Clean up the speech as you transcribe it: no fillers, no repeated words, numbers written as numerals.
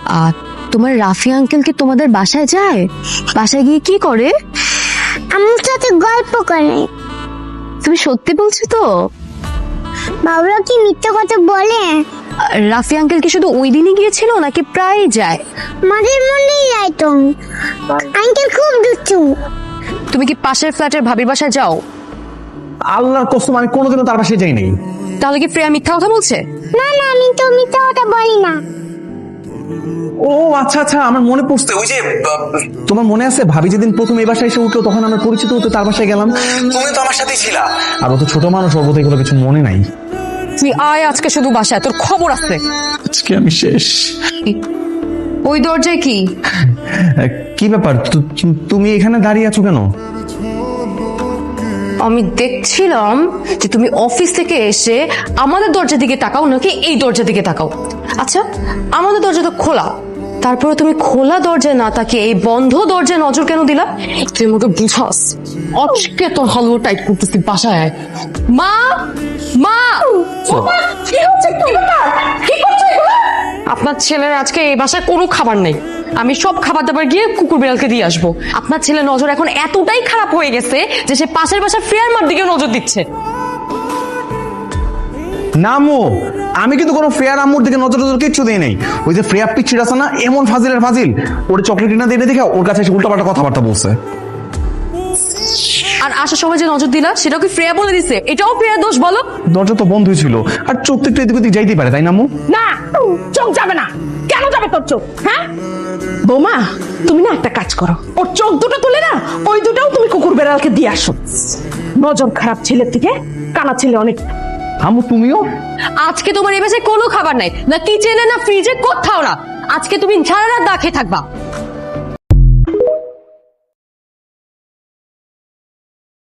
তোমার রাফি আঙ্কেল কি তোমাদের বাসায় যায়? বাসায় গিয়ে কি করে? আমার সাথে গল্প করে। তুমি সত্যি বলছো তো? বাবুরা কি মিথ্যে কথা বলে? রাফি আঙ্কেল কি শুধু ওই দিনই গিয়েছিল নাকি প্রায় যায়? মাঝে মধ্যেই যায় তো। আঙ্কেল খুব দুষ্টু। তুমি কি পাশের ফ্ল্যাটের ভাবির বাসায় যাও? আল্লাহর কসম আমি কোনোদিনও তার বাসায় যাই নাই। তাহলে কি প্রিয়া মিথ্যা কথা বলছে? না না, আমি তো মিথ্যে কথা বলি না। ও আচ্ছা আচ্ছা, আমার মনে পড়ছে, ওই যে তোমার মনে আছে ভাবি যেদিন প্রথম এই বাসায় এসে উঠলো তখন আমরা পরিচিত হতে তার বাসায় গেলাম, তুমি তো আমার সাথেই ছিলা। আর ও তো ছোট মানুষ, ওর বোধহয় এগুলো কিছু মনে নাই। তুই আয় আজকে শুধু বাসায়, তোর খবর আছে। আজকে আমি শেষ। ওই দরজায় কি? কি ব্যাপার, তুমি এখানে দাঁড়িয়ে আছো কেন? আমি দেখছিলাম যে তুমি অফিস থেকে এসে আমাদের দরজার দিকে তাকাও নাকি এই দরজার দিকে তাকাও। আচ্ছা, আমাদের দরজা তো খোলা, তারপরে তুমি খোলা দরজায় না তাকিয়ে এই বন্ধ দরজায় নজর কেন দিলা? তুই আমাকে বুঝাস। আজকে তোর হালুয়া টাইট করতেছি, বাসায় আয়। মা মা, কি হচ্ছে? কি করছো এগুলো? আপনার ছেলের আজকে এই বাসায় কোনো খাবার নেই। আমি সব খাবার দাবার গিয়ে কুকুর বিড়ালকে দিয়ে আসবো। আপনার ছেলের নজর এখন এতটাই খারাপ হয়ে গেছে যে সে পাশের বাসার ফ্রেয়ার মার দিকেও নজর দিচ্ছে। নামো, আমি কিন্তু কোনো ফ্রেয়ার আম্মুর দিকে নজর নজর কিচ্ছু দিই নাই। ওই যে ফ্রেয়া পিচ্ছির আছে না, এমন ফাজিলের ফাজিল, ওর চকলেট কিনা দিয়ে দেখে ওর কাছে এসে উল্টাপাল্টা কথাবার্তা বলছে। আর আসার সময় যে নজর দিলা সেটাও কি ফ্রেয়া বলে দিছে? এটাও ফ্রেয়ার দোষ বলো? দরজা তো বন্ধই ছিল, আর চোখ তো একটু এদিক ওদিক যাইতেই পারে, তাই না আম্মু? না, চোখ যাবে না। কেন যাবে তোর চোখ? হ্যাঁ বৌমা, তুমি না একটা কাজ করো, ওর চোখ দুটো তুলে না ওই দুটাও তুমি কুকুর বেড়ালকে দিয়ে আসো। নজর খারাপ ছেলের থেকে কানা ছেলে অনেক। আম্মু তুমিও? আজকে তোমার এই বাসায় কোনো খাবার নাই, না কিচেনে না ফ্রিজে, কোথাও না। আজকে তুমি সারা রাত না খেয়ে থাকবা।